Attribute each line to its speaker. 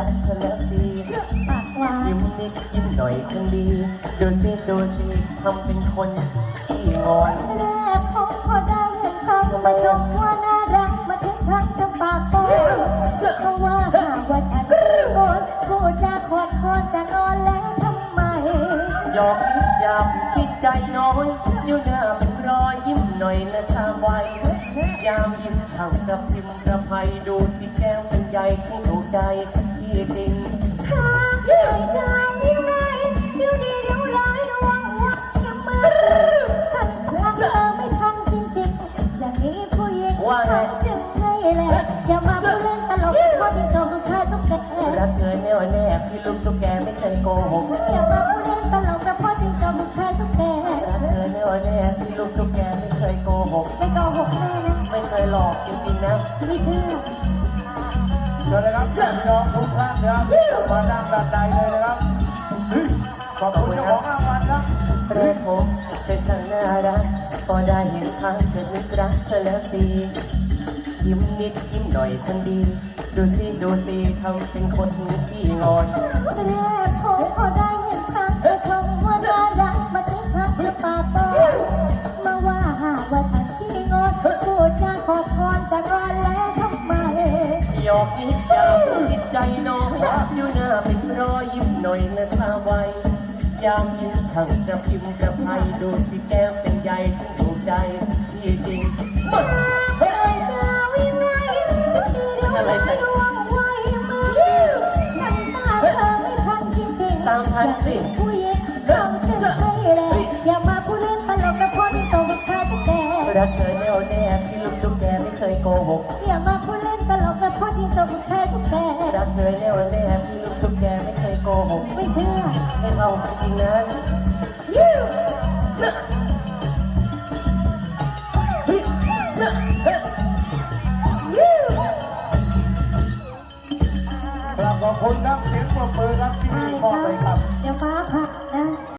Speaker 1: เธอแล้วสิ
Speaker 2: ปากหวาน
Speaker 1: ยิ้มนิดยิ้มหน่อยคนดีดูสิทำเป็นคนที่งอน
Speaker 2: แรกผมพอได้เห็นเขามาชมว่าน่ารักมาถึงทักจะปากโป้เพราะว่าหากว่าฉันโอนกูจะขอดคอนจะนอนแล้วทำไม
Speaker 1: หยอกนิดยามคิดใจน้อยอยู่หน้าเป็นรอยยิ้มหน่อยนะสามวัยยามยิ้มช่างกระพิมพ์กระไพดูสิแก้วเป็นใยที่ถูกใจพี่จริง
Speaker 2: หากเหนื่อยใจยังไงเดี๋ยวดีเดี๋ยวร้ายระวังวัดยังมือฉันรักเธอไม่ทันจริงๆอย่างนี้ผู้หญิงฉันจึงให้แหละอย่ามาพูดเล่นตลกเพราะที่โจมเธอต้องแก่
Speaker 1: รักเธอแน่วแน่พี่ลูกตุ๊กแกไม่เคยโกหก
Speaker 2: อย่ามาพูดเล่นตลกเพราะที่โจมเธอต้องแก่
Speaker 1: รักเธอแน่วแน่พี่ลูกตุ๊กแกไม่เคยโกหก
Speaker 2: ไม่โกหกแน่นะ
Speaker 1: ไม่เคยหลอกจริงๆนะ
Speaker 2: ไม่เชื่อ
Speaker 3: เชิญเลยครับพี่น้องทุกท่านนะครับมานั่งด้านในเลยนะครับขอบคุณเจ้าของรางวัลครับ
Speaker 1: แรกผมเธอช่างน่ารักพอได้เห็นทางเธอนึกรักเธอแล้วสิยิ้มนิดยิ้มหน่อยคนดีดูสิทำเป็นคนที่งอน
Speaker 2: แรกผมพอได้เห็นทางเธอชมว่าน่ารักมาถึงทักจะปากโตมาว่าหากว่าฉันขี้งอนพูดจาขอพรจะงอนแล้วทำไม
Speaker 1: หยอกนิดยามจิตใจน้อยอยู่หน้าเป็นรอยยิ้มหน่อยนะสาววัยยามยิ้มช่างกระพิมพ์กระไพดูสิแก้มเป็นใยฉันถูกใจพี่จริง
Speaker 2: เฮ้ยจะวิ่งไงดีเดี๋ยวไม่ดวงไว้มือฉันตาเธอไม่ทันจริงๆ
Speaker 1: ตามทันสิ
Speaker 2: ผู้หญิงต้องจึงให้แหละอย่ามาพูดเล่นตลกกับพ่อที่โตกับชายตุ๊กแก
Speaker 1: รักเธอแน่วแน่พี่ลูกตุ๊กแกไม่เคยโกหก
Speaker 2: อย่ามาพูดเล่นตลกกับพ่อที่โตกับชายตุ๊กแก
Speaker 1: รักเธอแน่วแน่พี่ลูกตุ๊กแกไม่เคยโกหก
Speaker 2: ไม่เชื่อ
Speaker 1: ให้เราจริงนะ
Speaker 3: ขอบคุณครับเสียงปรบมือครับที่มอบเลยครับ
Speaker 2: เดี๋ยวฟ้าผ่า